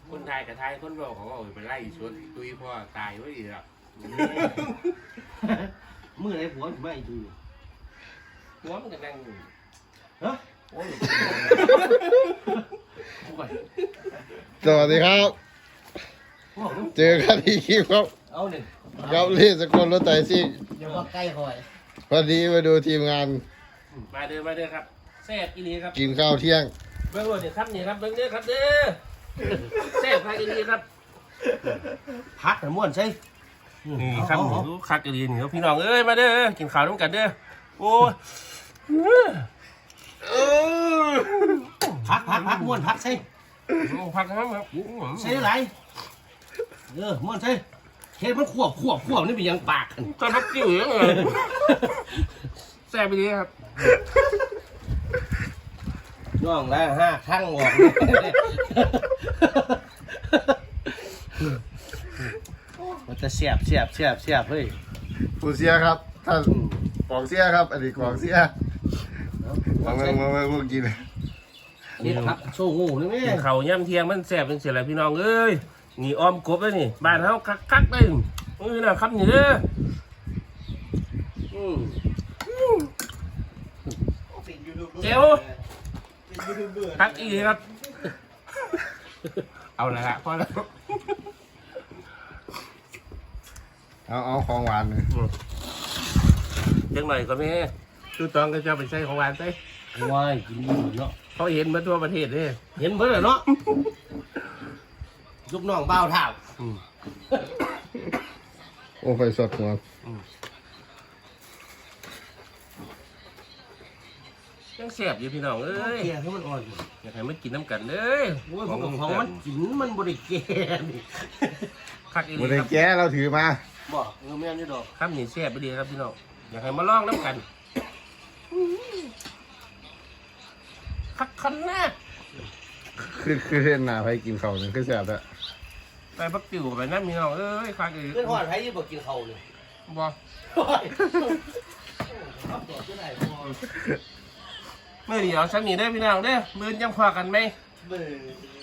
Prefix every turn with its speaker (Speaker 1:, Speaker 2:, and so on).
Speaker 1: คนไทยกับไทยคนบอกเขาบอกไปไล่ชวนตุยพ่อตายไว้อีกแล้ว
Speaker 2: มือไหนผัวถึงไม่ดู
Speaker 1: หัวมันก็นั่งอยู่
Speaker 2: ฮะ
Speaker 1: โอ้ย
Speaker 3: สวัสดีครับ เจอกันอีกคลิปครับ
Speaker 2: เอาหนึ่ง
Speaker 3: กับลี่สกลรถไต่ซิ่ง
Speaker 2: อย่าว่าใกล้คอย
Speaker 3: วันนี้มาดูทีมงาน
Speaker 1: มาเด้อครับแซ่บอีนีครับ
Speaker 3: กินข้าวเที่ยง
Speaker 1: เบิ้งเดี๋ยวครับนี่ครับเบิ้งเด้อครับเด้อแซ่บคักอีนีครับ
Speaker 2: พักแต่ม้วนใช่
Speaker 1: นี่ครับรู้คักอีนีนี่พี่น้องเอ้ยมาเด้อกินข้าวน้ำกันเด้อโอ้ย
Speaker 2: พักม้วนพักใช่
Speaker 1: พักครับครับ
Speaker 2: ใช่ไรม้วนใช่เฮ็ดมันขวบนี่เป็นยังปากกัน
Speaker 1: ตอนพักจิ้วอย่างเงี้ยแซ่บอีนีครับ
Speaker 2: น้องแล้ว5ครั้งออกมันจะเสียบเฮ้ย
Speaker 3: ผู้เสียครับท่านกองเสียครับ อันนี้กองเสียมาพวกกิน
Speaker 2: เฮ็ดพักโชว์งูนี่แม่
Speaker 1: กินข้าวย่ำเที่ยงมันแซ่บเป็นเสียอะไรพี่น้องเอ้ยนี่อ้อมกบเลยนี่บ้านเฮาคักเลยนะครับนี่เด้อเจ้าคักอีครับเอาละฮะพอแล้ว
Speaker 3: เอาของหวานเลย
Speaker 1: จังหน่อยก็ไม่ให้ตู้ตองก็จะไปใช้ของหวานใส่
Speaker 2: ว้ายกินดีเนาะ
Speaker 1: เขาเห็นมาทั่วประเทศเลย
Speaker 2: เห็นเบิ่งเนาะลูกน้องเบ้าเท้า
Speaker 3: โอ้ไฟสดหัว
Speaker 1: ยังแซ่บอยู่พี่น้องเอ้ย
Speaker 2: เกียร์ให้มันอ่อน
Speaker 1: อยากให้มันกินน้ำกันเลย
Speaker 2: โอ้ยของมันกินมันบริแกนี่
Speaker 1: คักอี
Speaker 3: วัน
Speaker 1: ค
Speaker 3: นี้
Speaker 1: รับ
Speaker 3: แกเราถือมา
Speaker 2: บอกแม่นอยู่ดอก
Speaker 1: ครับนี่แซ่บไปดีครับพี่น้องอยากให้มาลองน้ำกันคักคันแน่
Speaker 3: คือเส้นหนาไปกินข้าวนึงคือแซ่บแล้ว
Speaker 1: ไปพักติ๋วไปนั่นพี่น้องเอ้ยคักอี
Speaker 2: เพื่อนหอดไผยี่บอกกินเขาเลย
Speaker 1: บ่
Speaker 2: ครับบอกที่ไหนพอ
Speaker 1: เมื่อเดี๋ยวฉันนี่ได้อพี่น้องเด้อมื้อยังพอกันไหม
Speaker 2: เบื่อ